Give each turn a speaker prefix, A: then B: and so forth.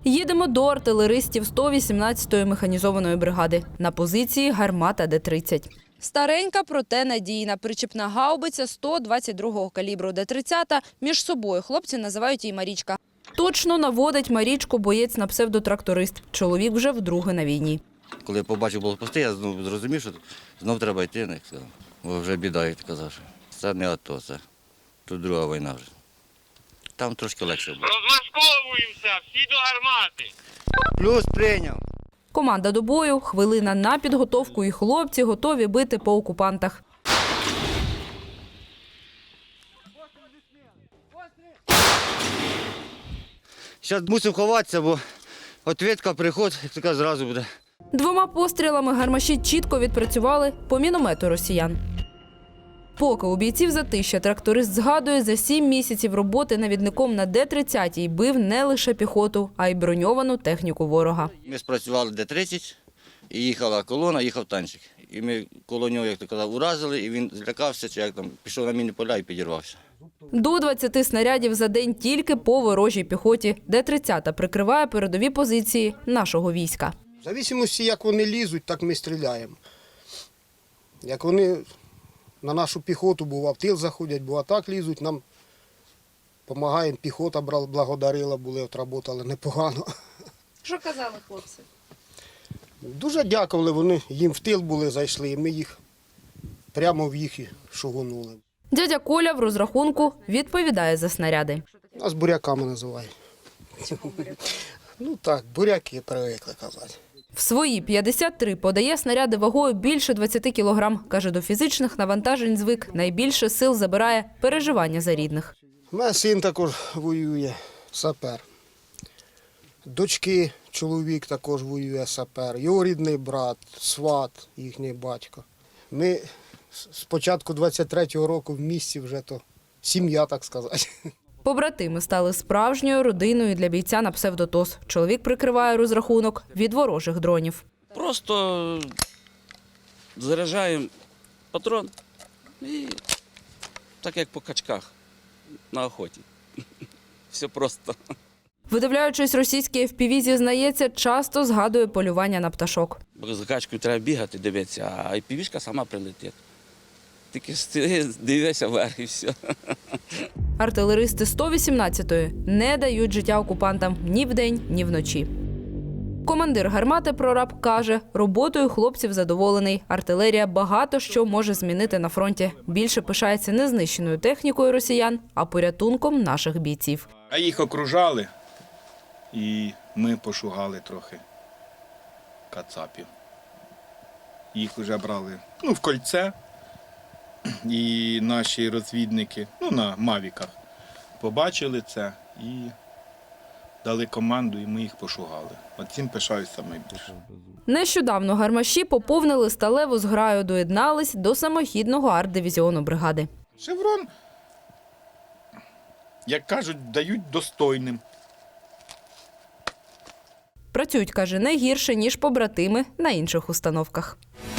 A: Їдемо до артилеристів 118-ї механізованої бригади. На позиції гармата Д-30. Старенька, проте надійна. Причіпна гаубиця 122-го калібру Д-30. Між собою хлопці називають її Марічка. Точно наводить Марічку боєць на псевдотракторист. Чоловік вже вдруге на війні.
B: Коли я побачив блокпости, я зрозумів, що знов треба йти, як сказав. Бо вже біда, як ти казав. Це не АТО, це тут друга війна вже. Там трошки легше було.
C: Розмашковуємося, всі до гармати.
B: Плюс прийняв.
A: Команда до бою, хвилина на підготовку і хлопці готові бити по окупантах.
B: Зараз мусимо ховатися, бо відповідка, приход, як така, зразу буде.
A: 2 пострілами гармаші чітко відпрацювали по міномету росіян. Поки у бійців затища, тракторист згадує, за 7 місяців роботи навідником на Д-30 бив не лише піхоту, а й броньовану техніку ворога.
B: Ми спрацювали Д-30, і їхала колона, їхав танчик. І ми коло нього, як ти казав, уразили, і він злякався, чи як там, пішов на мінні поля і підірвався.
A: До 20 снарядів за день тільки по ворожій піхоті. Д-30 прикриває передові позиції нашого війська.
D: В залежності, як вони лізуть, так ми стріляємо. Як вони на нашу піхоту, бува в тил заходять, бува так лізуть, нам допомагаємо, піхота благодарила, були, отработали непогано.
A: Що казали хлопці?
D: Дуже дякували, вони їм в тил були, зайшли, і ми їх прямо в їх і шугонули.
A: Дядя Коля в розрахунку відповідає за снаряди.
D: Нас буряками називають. Ну так, буряки привикли казати.
A: В свої 53 подає снаряди вагою більше 20 кілограм. Каже, до фізичних навантажень звик. Найбільше сил забирає переживання за рідних.
D: У мене син також воює, сапер. Дочки, чоловік також воює, сапер. Його рідний брат, сват, їхній батько. Ми з початку 23-го року в місті вже то сім'я, так сказати.
A: Побратими стали справжньою родиною для бійця на псевдотос. Чоловік прикриває розрахунок від ворожих дронів.
E: Просто заряджаємо патрон і так як по качках на охоті. Все просто.
A: Видивляючись російські FPV, зізнається, часто згадує полювання на пташок.
E: Бо за качкою треба бігати, дивитися, а півішка сама прилетить. Тільки дивися вверх і все.
A: Артилеристи 118-ї не дають життя окупантам ні вдень, ні вночі. Командир гармати прораб каже, роботою хлопців задоволений. Артилерія багато що може змінити на фронті. Більше пишається не знищеною технікою росіян, а порятунком наших бійців.
F: А їх окружали, і ми пошугали трохи кацапів. Їх вже брали в кольце, і наші розвідники на мавіках побачили це і дали команду, і ми їх пошугали. От цим пишаюся найбільше.
A: Нещодавно гармаші поповнили сталеву зграю, доєднались до самохідного арт-дивізіону бригади.
F: Шеврон, як кажуть, дають достойним.
A: Працюють, каже, не гірше, ніж побратими на інших установках.